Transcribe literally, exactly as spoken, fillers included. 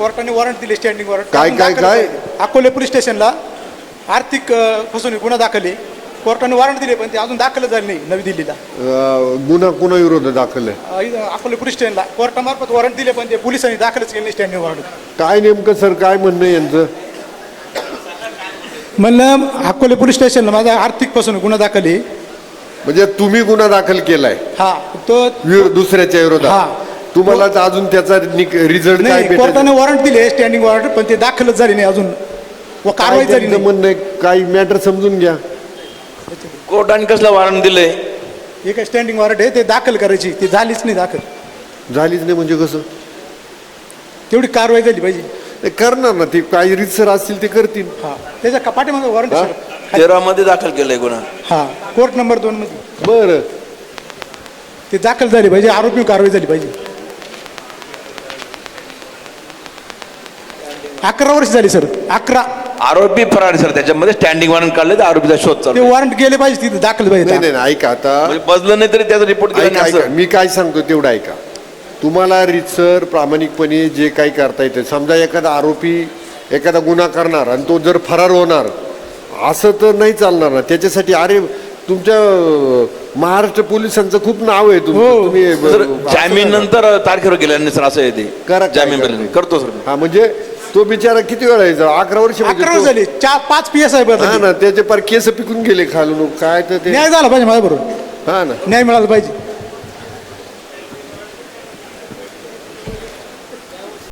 कोर्टाने वॉरंट दिले, standing warrant. काय काय काय अकोले पोलीस स्टेशनला आर्थिक अ, फसवणूक गुन्हा दाखल आहे. कोर्टाने वॉरंट दिले पण ते अजून दाखल झाले नाही नवी दिल्लीला. अं, गुन्हा कुणा विरोधात दाखल आहे? अ, इथं अकोले पोलीस स्टेशनला कोर्टामार्फत वॉरंट दिले पण ते पोलिसांनी दाखलच केले नाही स्टँडिंग वॉरंट. काय नेमकं सर काय म्हणणं आहे यांचं? म्हणलं अकोले पोलीस स्टेशनला माझा आर्थिक फसवणूक गुन्हा दाखल आहे. म्हणजे तुम्ही गुन्हा दाखल केलाय हा तो विरो- दुसऱ्याच्या हा. विरोधात, तुम्हाला तर अजून त्याचा रिझल्ट काय नाही, भेटेल? कोर्टाने वॉरंट दिले स्टँडिंग वॉरंट पण ते दाखलच झाले नाही अजून व कारवाई काय झाली त्यांचं नाही. म्हणणं आहे? काही मॅटर समजून घ्या. कोर्टाने कसलं वॉरंट दिलंय? हे काय स्टँडिंग वॉरंट आहे ते दाखल करायची, ती झालीच नाही दाखल. झालीच नाही म्हणजे कसं? तेवढी कारवाई झाली पाहिजे. ते करणार ना, ते काही रितसर असतील ते करतील. हा त्याच्या कपाटीमध्ये वॉरंट हा? तेरा मध्ये दाखल केलंय गुन्हा. हा कोर्ट नंबर दोन मध्ये बरं, ते दाखल झाली पाहिजे, आरोपी कारवाई झाली पाहिजे. अकरा वर्ष झाली सर, अकरा. आरोपी फरार सर, त्याच्यामध्ये स्टँडिंग वॉरंट काढले तर आरोपीचा शोध ते चालू. वॉरंट गेले पाहिजे तिथे दाखल नाही पाहिजे. नाही नाही, ऐका आता, म्हणजे बजलं नाही तरी त्याचा रिपोर्ट केला ऐका नाही ऐका असं. मी काय सांगतो तेवढं ऐका. तुम्हाला रितसर प्रामाणिकपणे जे काही करता येते, समजा एखादा आरोपी एखादा गुन्हा करणार आणि तो जर फरार होणार असं तर नाही चालणार ना. त्याच्यासाठी अरे तुमच्या अं, महाराष्ट्र पोलिसांचं खूप नाव आहे तुमचं. हो. तुम्ही सर अं, जामीन नंतर तारखेवर गेल्याने सर असं येते. करा, काय जामीन करा. मिळालं. करतो सर. हा म्हणजे तो बिचारा किती वेळा यायचा? अकरा वर्ष म्हणजे अकरा तो- वर्ष झाली, चार पाच पी एस आय हा ना, त्याचे पार केस पिकून गेले खालून. काय तर ते न्याय झाला पाहिजे माझ्या बरोबर, हा ना. न्याय मिळाला पाहिजे.